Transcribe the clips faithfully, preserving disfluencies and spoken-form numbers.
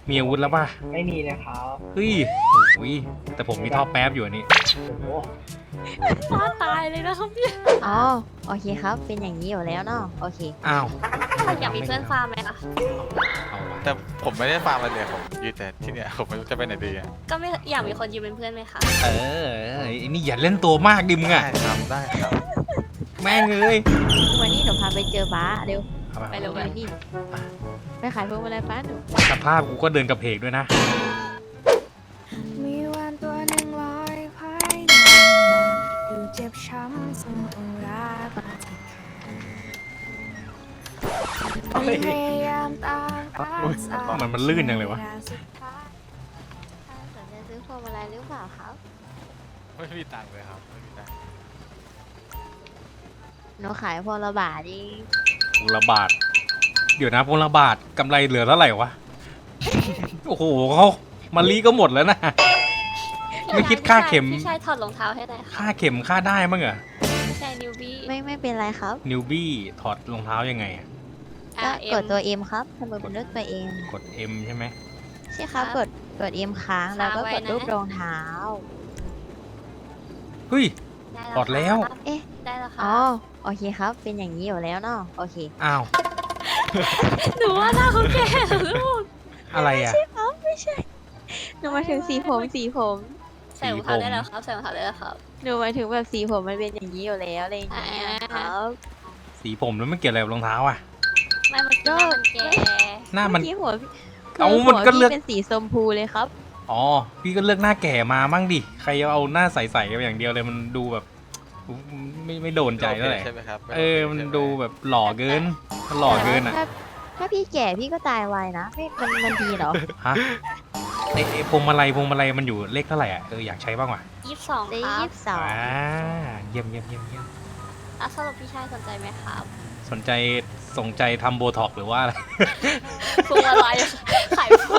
มีอาวุธแล้วป่ะไม่มีเลยครับเฮ้ยโอ้ยแต่ผมมีท่อแป๊บอยู่อันนี้โอ้โหฟ้าตายเลยนะครับพี่อ๋อโอเคครับ เป็นอย่างนี้อยู่แล้วเนาะโอเคอ้าวอยากมีเพื่อนฟาร์มไหมคะเอาวะแต่ผมไม่ได้ฟาร์มอะไรเลยผมยืนแต่ที่เนี่ยผมไม่รู้จะไปไหนดีอะก็ไม่อยากมีคนยืมเป็นเพื่อนไหมคะเออไอ้นี่อย่าเล่นตัวมากดิมึงได้อะครับได้ครับแม่งเลยวันนี้หนูพาไปเจอบ้าเร็วเอาไปไปเร็วไปกันนี่ไปขายพวงมาลัยป้าหนูสภาพกูก็เดินกับเพกด้วยนะมีวันตัวหนึ่งลอยภายในนาดูเจ็บช้ำซึ่งต้องรักที่พยายามตามรักษามันมันลื่นจังเลยวะสุดท้ายสนใจซื้อพวงมาลัยหรือเปล่าครับไม่มีตังค์เลยครับไม่มีตังค์หนูขายพวงละบาทเองพวงละบาท เดี๋ยวนะพวงละบาทกำไรเหลือเท่าไหร่วะ โอ้โหเขามาลีก็หมดแล้วนะ ไม่คิดค่าเข็มพี่ชายถอดรองเท้าให้หน่อยค่ะค่าเข็มค่าได้มั้งเหรอพี่ชายนิวบี้ไม่ไม่เป็นไรครับนิวบี้ถอดรองเท้ายังไงอะก็อ่ะกดตัว M ครับทำไมเป็นเลือกตัว M กด M ใช่ไหมใช่ครับกดกด M ค้างแล้วก็กดรูปรองเท้าเฮ้ยได้ถอดแล้วครับเอ๊ะได้แล้วค่ะอ๋อโอเคครับ เป็นอย่างนี้อยู่แล้วเนาะโอเคอ้าวหนูว่าหน้าเขาแก่เหรอลูกอะไรอ่ะครับไม่ใช่หนูหมายถึงสีผมสีผมใส่รองเท้าได้แล้วครับใส่รองเท้าได้แล้วครับหนูหมายถึงแบบสีผมมันเป็นอย่างนี้อยู่แล้วอะไรอย่างเงี้ยอ่าครับสีผมแล้วมันเกี่ยวอะไรกับรองเท้าอ่ะไม่มันหน้ามันแก่หน้ามันเมื่อกี้หัวพี่เอ้าคืมันก็เลือกหัวพี่เป็นสีชมพูเลยครับอ๋อ พี่ก็เลือกหน้าแก่มามั่งดิ ใครเอาหน้าใสๆอย่างเดียวเลยมันดูแบบ ไม่ไม่โดนใจเท่าไหร่ใช่ไหมครับเออ มันดูแบบหล่อเกินมันหล่อเกินอ่ะถ้าถ้าพี่แก่พี่ก็ตายไวนะไม่มันมันดีเหรอฮะไอ้ไอ้พวงมาลัยพวงมาลัยมันอยู่เลขเท่าไหร่อ่ะ เอออยากใช้บ้างว่ะยี่สิบสองได้ครับยี่สิบสองอ่าเยี่ยมเยี่ยมเยี่ยมเยี่ยมอ่ะสรุปพี่ชายสนใจไหมครับสนใจสนใจทำโบท็อกซ์หรือว่าอะไรพวงมาลัยขายพวง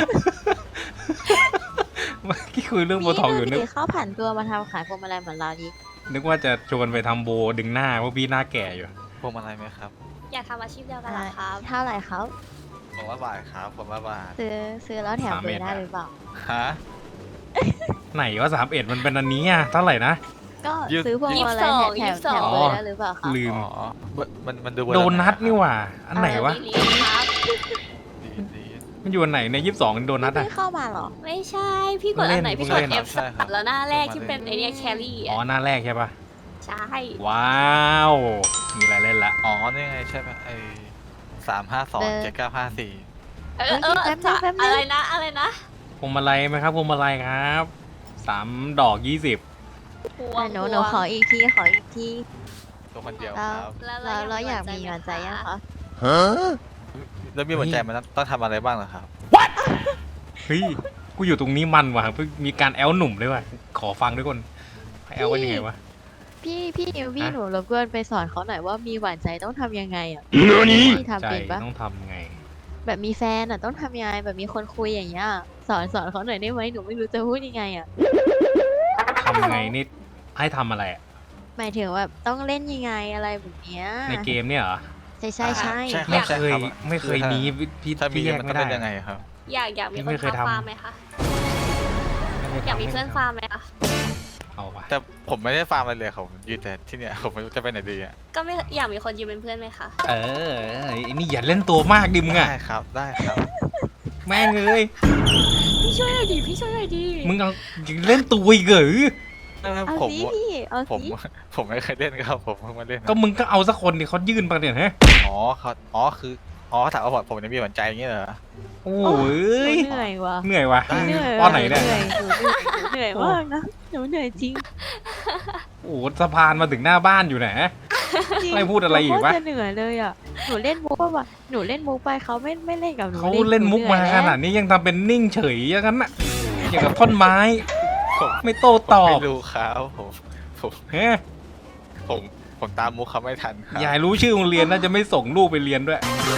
เมื่อกี้คุยเรื่องโบท็อกซ์อยู่นึกเขาผ่านตัวมาทำขายพวงมาลัยเหมือนเราดินึกว่าจะชวนไปทำโบดึงหน้าเพราะพี่หน้าแก่อยู่พวงมาลัยไหมครับอยากทำอาชีพเดียวกันเหรอครับเท่าไหร่ครับผมว่าบาทครับผมว่าบาทซื้อซื้อแล้วแถมสามเบอเอ็ดร์ได้อะหรือเปล่าฮะไหนว่าสามเอ็ดมันเป็นอันนี้อ่ะเท่าไหร่นะก็ยี่สิบซื้อพวงมาลัยแถมแถมเบอร์ได้หรือเปล่าครับลืมอ๋อมันมันดูโดนัทนี่หว่า อันไหนวะเออมีลิงก์ครับดีดีมันอยู่อันไหนในยี่สิบสองโดนัทอ่ะไม่เข้ามาเหรอไม่ใช่ พี่กดอันไหนเล่นพี่กดเล่น F สามแล้วหน้าแรกที่เป็นไอเนี้ยแครี่อ๋ออ่ะหน้าแรกใช่ปะใช่ว้าว มีอะไรเล่นละอ๋อนี่ไงใช่ไหมไอสามห้าสองเจ็ดเก้าห้าสี่เออเออแป๊บนึงแป๊บนึงอะไรนะอะไรนะพวงมาลัยไหมครับพวงมาลัยครับสามดอกยี่สิบพวงอ่ะหนูหนูขออีกทีขออีกทีตัวคนเดียวเราครับแล้วเราเราอยากมีหวานใจยังคะแล้วมีหัวใจมันต้องทำอะไรบ้างเหรอครับเฮ้ย กูอยู่ตรงนี้มันว่ะเพิ่งมีการแอลหนุ่มด้วยว่ะ ขอฟังด้วยคนแอลกันยังไงวะพี่พี่นิวพี่ฮะหนูรบกวนไปสอนเขาหน่อยว่ามีหวานใจต้องทำยังไงอ่ะพี่ทำใจเป็นปะต้องทำไงแบบมีแฟนอ่ะต้องทำยังไงแบบมีคนคุยอย่างเงี้ยสอนสอนเขาหน่อยได้ไหมหนูไม่รู้จะพูดยังไงอ่ะทำไงนี่ให้ทำอะไรอะหมายถึงแบบต้องเล่นยังไงอะไรแบบเนี้ยในเกมเนี่ยเหรอใช่ใช่ใช่ใช่ไม่รับเคยรับไม่เคยมีพี่ถ้ามีพี่แยกมันไม่ต้องได้เป็นยังไงครับอยากอยากมีพี่คไม่นเคยทำทำฟาร์มไหมคะไม่อยากมีทำเพื่อนฟาร์มไหมคะเอาปะแต่ผมไม่ได้ฟาร์มอะไรเลยผมยืนแต่ที่เนี่ยผมไม่รู้จะไปไหนดีอ่ะก็ไม่อยากมีคนยืมเป็นเพื่อนไหมคะเออไอ้นี่อย่าเล่นตัวมากดิมึงอะได้ครับได้ครับแม่งเลยพี่ช่วยหน่อยดิพี่ช่วยหน่อยดิมึงเอาเล่นตัวอีกเหรอเอาผมสิพี่เอาผมสิผมไม่เคยเล่นครับผมเพิ่งมาเล่นก็มึงก็เอาสักคนดิเขายื่นมาเนี่ยฮะอ๋อเขาอ๋อคืออ๋อถามว่าผมจะมีหวานใจอย่างเงี้ยเหรอโอ้หนูยเหนื่อยว่ะเหนื่อยว่ะเหนื่อยป้อนไหนเนี่ยเหนื่อยหนูเหนื่อยหนูเหนื่อยมากนะหนูเหนื่อยจริงโอ้สะพานมาถึงหน้าบ้านอยู่ไหนจริงไม่พูดอะไรอีกวะหนูโคตรจะเหนื่อยเลยอ่ะหนูเล่นมุกป่ะวะหนูเล่นมุกไปเขาไม่ไม่เล่นกับหนูเขาเล่นมุกมาขนาดนี้ยังทำเป็นนิ่งเฉยอย่างนั้นน่ะอย่างกับท่อนไม้ผมไม่โต้ตอบไม่รู้ครับผมผมเฮ้ยผมผมตามมุกเขาไม่ทันครับยายรู้ชื่อโรงเรียนน่าจะไม่ส่งลูกไปเรียนด้วย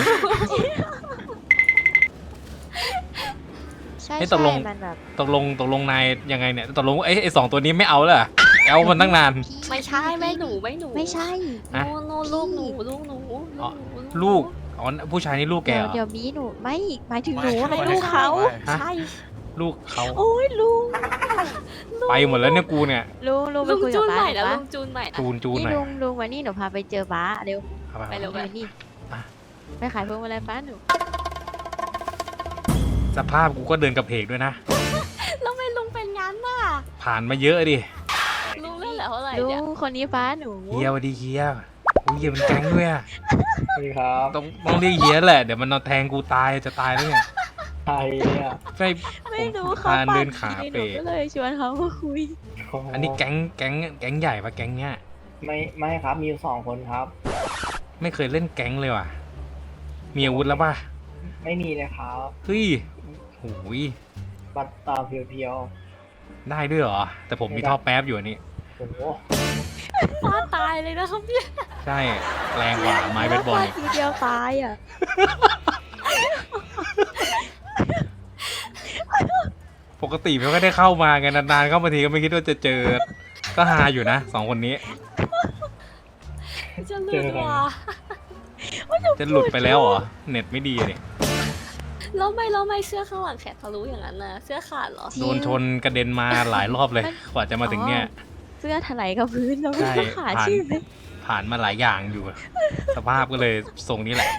ใช่ให้ตใช่กลงมันแบบตกลงตกลงนายยังไงเนี่ยตกลงไอ้ไอ้สองตัวนี้ไม่เอาเลยเหรอแอลมันตั้งนานไม่ใช่ไม่หนูไม่หนูไม่ใช่ฮะโน่โน่ลูกหนูลูกหนูอ๋อหนูลูกอ๋อผู้ชายนี่ลูกแกเดี๋ยเหวรอเดี๋ยวมีหนูไม่หมายถึงหไม่นูไม่ไม่ไม่ลูกเขาไม่ใช่ลูกเขาโอ้ยลุงไปหมดแล้วเนี่ยกูเนี่ยลุงลุงไปลุงคุยจูกับนใหป้าม่หน่นะอยลุปะงจูนใหม่นะจูนจูนนี่หน่อยลุงลุงวันนี้หนูพาไปเจอป้าเร็วเอาไปไปเร็วมานี่ไปขายพวงมาลัยป้าหนูสภาพกูก็เดินกระเพกด้วยนะแล้วไม่ลุงเป็นงั้นน่ะผ่านมาเยอะดิลุงเล่นเหลือเท่าไหร่ลุเนี่ยงคนนี้ป้าหนูเฮียสวัสดีเฮียอุ้ยเฮียเป็นแก๊งด้วยอะสวัสดีครับต้องต้องเรียกเฮียแหละเดี๋ยวมันนอนแทงกูตายจะตายแล้วเนี่ยใครเนี่ยใช่ไม่รู้ผมเขาพาเดินขาปากดีหเป๋นูก็เลยชวนเขามาคุยโโหอันนี้แก๊งแก๊งแก๊งใหญ่ปะแก๊งเนี้ยไม่ไม่ครับมีอยู่สองคนครับไม่เคยเล่นแก๊งเลยว่ะมีอาวุธแล้วป่ะไม่มีเลยครับเฮ้ยโอ้ยบัตรตาเพียวได้ด้วยเหรอแต่ผมมีท่อแป๊บอยู่อันนี้ๆโอ้โหป้าตายเลยนะครับเนี่ยใช่แรงกว่าไม้เบสบอลฟาดอีกทีเดียวตายอ่ะปกติไม่ค่อยได้เข้ามาไงนานๆเข้ามาทีก็ไม่คิดว่าจะเจอ ก็ฮาอยู่นะสองคนนี้จะลืมว่ะจะหลุดไปแล้วเหรอเน็ตไม่ดีเลยแล้วไม่แล้วไม่เสื้อข้างหลังแขนทะลุอย่างนั้นนะเสื้อขาดเหรอโดนชนกระเด็นมาหลายรอบเลยกว่าจะมาถึงเนี่ยเสื้อถลายกับพื้นแล้วใช่ก็ขาผ่านชื่อเลยผ่านมาหลายอย่างอยู่ สภาพก็เลยทรงนี้แหละ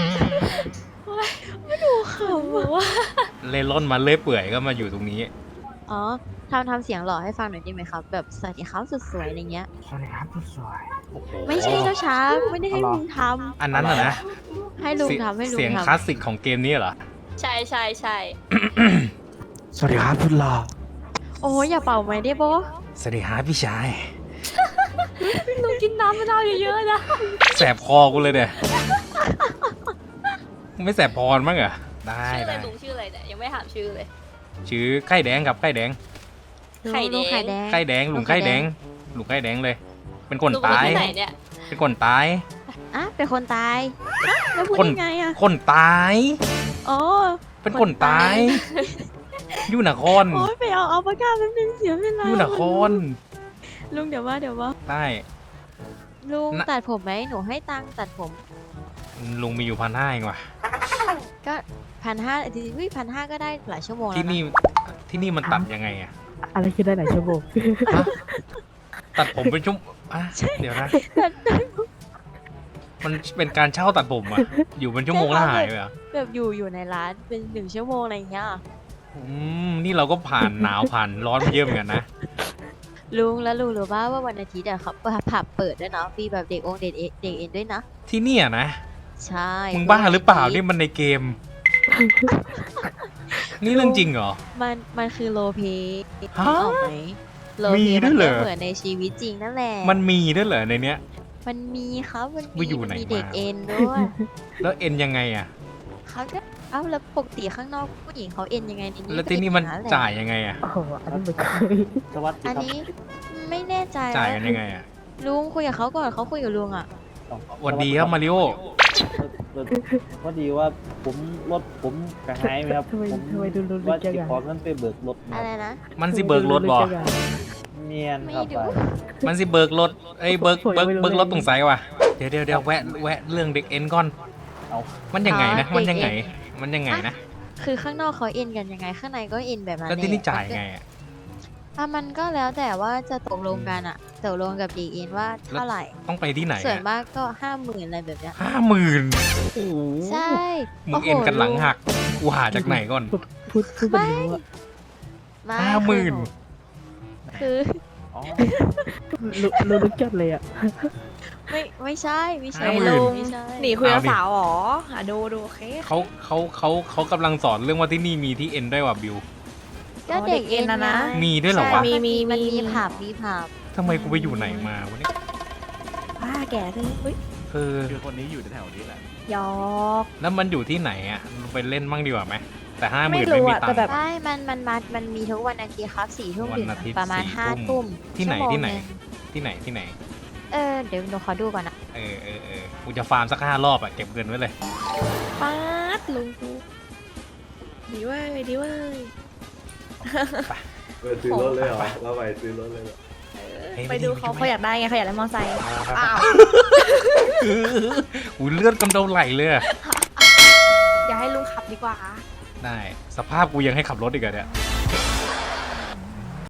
เขาบอกว่าเล่ร่อนมาเลื่อยเปื่อยก็มาอยู่ตรงนี้อ๋อทำทำเสียงหล่อให้ฟังหน่อยได้ไหมครับ แบบสวัสดีครับสุดสวยอะไรเงี้ยสวัสดีครับผู้สวยโอ้โหไม่ใช่เจ้าช้างไม่ได้ให้อ๋อเหรอลุงทอันนั้นเหรอนะำให้ลุงเสียงทำให้ลุงเสียงทำคลาสสิกของเกมนี้เหรอใช่ใช่ใช่สวัสดีครับคุณหล่อโอ้ยอย่าเป่าไหมได้ปะสวัสดีฮะพี่ชายลุงกินน้ำมะนาวเยอะๆนะแสบคอกูเลยเด้ไม่แสบพรมั้งเหรอได้ชื่ออะไรได้ลุงชื่ออะไรเนี่ยยังไม่ถามชื่อเลยชื่อไข่แดงครับไข่แดงไข่แดงลุงไข่แดงไข่แดงลุงไข่แดงลุงไข่แดงเลย เป็นคนลุงตายที่ไหนเนี่ยเป็นคนตายอ่ะเป็นคนตายอ่ะแล้วพูดคนยังไงอ่ะคนตายอ๋อเป็นคนตายอยู่นครโอ้ยไปเอาเอาปากกาแป๊บนึงเสียเวลาอยู่นครลุงเดี๋ยวว่าเดี๋ยวว่าได้ลุงน่ะตัดผมไหมหนูให้ตังค์ตัดผมลุงมีอยู่พันห้าเองว่ะก็พันห้าจริงๆพันห้าก็ได้หลายชั่วโมงแล้วที่นะนี่ที่นี่มันตัดยังไงอะอะไรคือได้หลายชั่วโมงฮะตัดผมเป็นชั่วอ่ะเดี๋ยวนะ มันเป็นการเช่าตัดผมอะอยู่เป็นชั่วโมงแล้วหายไปเหรอแบบอยู่อยู่ในร้านเป็นหนึ่งชั่วโมงอะไรอย่างเงี้ยอืมนี่เราก็ผ่านหนาวผ่านร้อนมาเยอะเหมือนกันนะลุงแล้วลุงรู้ป่าว่าวันอาทิตย์อะเขาผับเปิดด้วยนะฟรีแบบเด็กองค์เด็กเอเด็กเอ็นด้วยนะที่เนี่ยนะใช่มึงบ้าหรือเปล่านี่มันในเกม นี่เรื่องจริงเหรอมันมันคือโลเพฮะออกไหมโลมีเพด้มัวยนเหรก็อเหมือนในชีวิตจริงนั่นแหละมันมีด้วยเหรอในเนี้ยมันมีครับมันว่าอยู่ไหนมีเด็กมาเอ็นด้วยแล้วเอ็นยังไงอะเขาก็เอ้าแล้วปกติข้างนอกผู้หญิงเขาเอ็นยังไงในนี้แล้วก็ที่นี่มันเอ็อย่งแหละจ่ายยังไงอะโอ้โห อันนี้มันเคยสวัสดีอันครับนี้ไม่แน่ใจจ่ายกันยังไงอะลุงคุยกับเขาก่อนเขาคุยกับลุงอ่ะสวัสดีครับมาริโอพอดีว่าผมรถผมกระหายไหมครับทำไมผมทำไมดูรุนว่าจัจะงอะขอเงินไปเบิกรถคอะรับไรนะมันสิเบิกรถบ่เมียนไม่ครับดูไปมันสิเบิกรถเอ้ยเบิกเบิกเบิกรถตรงไสว่ะเดี๋ยวเดี๋ยวเดี๋ยวแวะแวะเรื่องเด็กเอ็นก่อนเอามันยังไงนะมันยังไง มันยังไงนะคือข้างนอกเขาเอ็นกันยังไงข้างในก็เอ็นแบบนั้นแล้วที่นี่หละจ่ายไงอะอ่ะมันก็แล้วแต่ว่าจะตกลงกันอ่ะตกลงกับเด็กเอ็นว่าเท่าไหร่ต้องไปที่ไหนส่วนอะมากก็ห้าหมื่นอะไรแบบเนี้ยห้าหมื่นโอ้โหใช่มึงเอ็นกันหลังหักกูหาจากไหนก่อนพูดพูดแบบนี้ว่าไม่ห้าหมื่นคืออ๋อรู้รู้ลึกจัดเลยอ่ะไม่ไม่ใช่ไม่ใช่ห้าหมื่นไม่ใช่หนีคุยกับสาวเหรออ่ะดูดูโอเคเขาเขาเขาเขากำลังสอนเรื่องว่าที่นี่มีที่เอ็นด้วยว่ะบิวก็เด็กเอ็นนะนะไงมีด้วยเหรอวะใช่มันมีมันมีผับมีผับทำไมกูไปอยู่ไหนมาวะเนี่ยป้าแก่ขึ้นอุ้ยเออคือคนนี้อยู่แถวนี้แหละหยอกแล้วมันอยู่ที่ไหนอ่ะไปเล่นมั่งดีกว่าไหมแต่ห้าหมื่นไม่รู้ไม่มีอะตังแต่ค์แบบใช่มันมันมามันมีทุกวันอาทิตย์ครับสี่ทุ่มวันถึงอาทิตย์ประมาณสี่ห้าทุ่ทุ่มมที่ไหนชั่วโมงที่ไหนงที่ไหนที่ไหนเออเดี๋ยวหนูขอดูก่อนนะเออเออเออกูจะฟาร์มสักห้ารอบอ่ะเก็บเงินไว้เลยป้าดลุงกูดีเว้ยดีเว้ยไปซื้อรถเลยเหรอเราไปซื้อรถเลยเหรอเฮ้ยไปดูเขาเขาอยากได้ไงเขาอยากได้มอเตอร์ไซค์อ้าวอุ้ยเลือดกำเดาไหลเลยอะออย่าให้ลุงขับดีกว่าได้ สภาพกูยังให้ขับรถอีกเหรอเนี่ย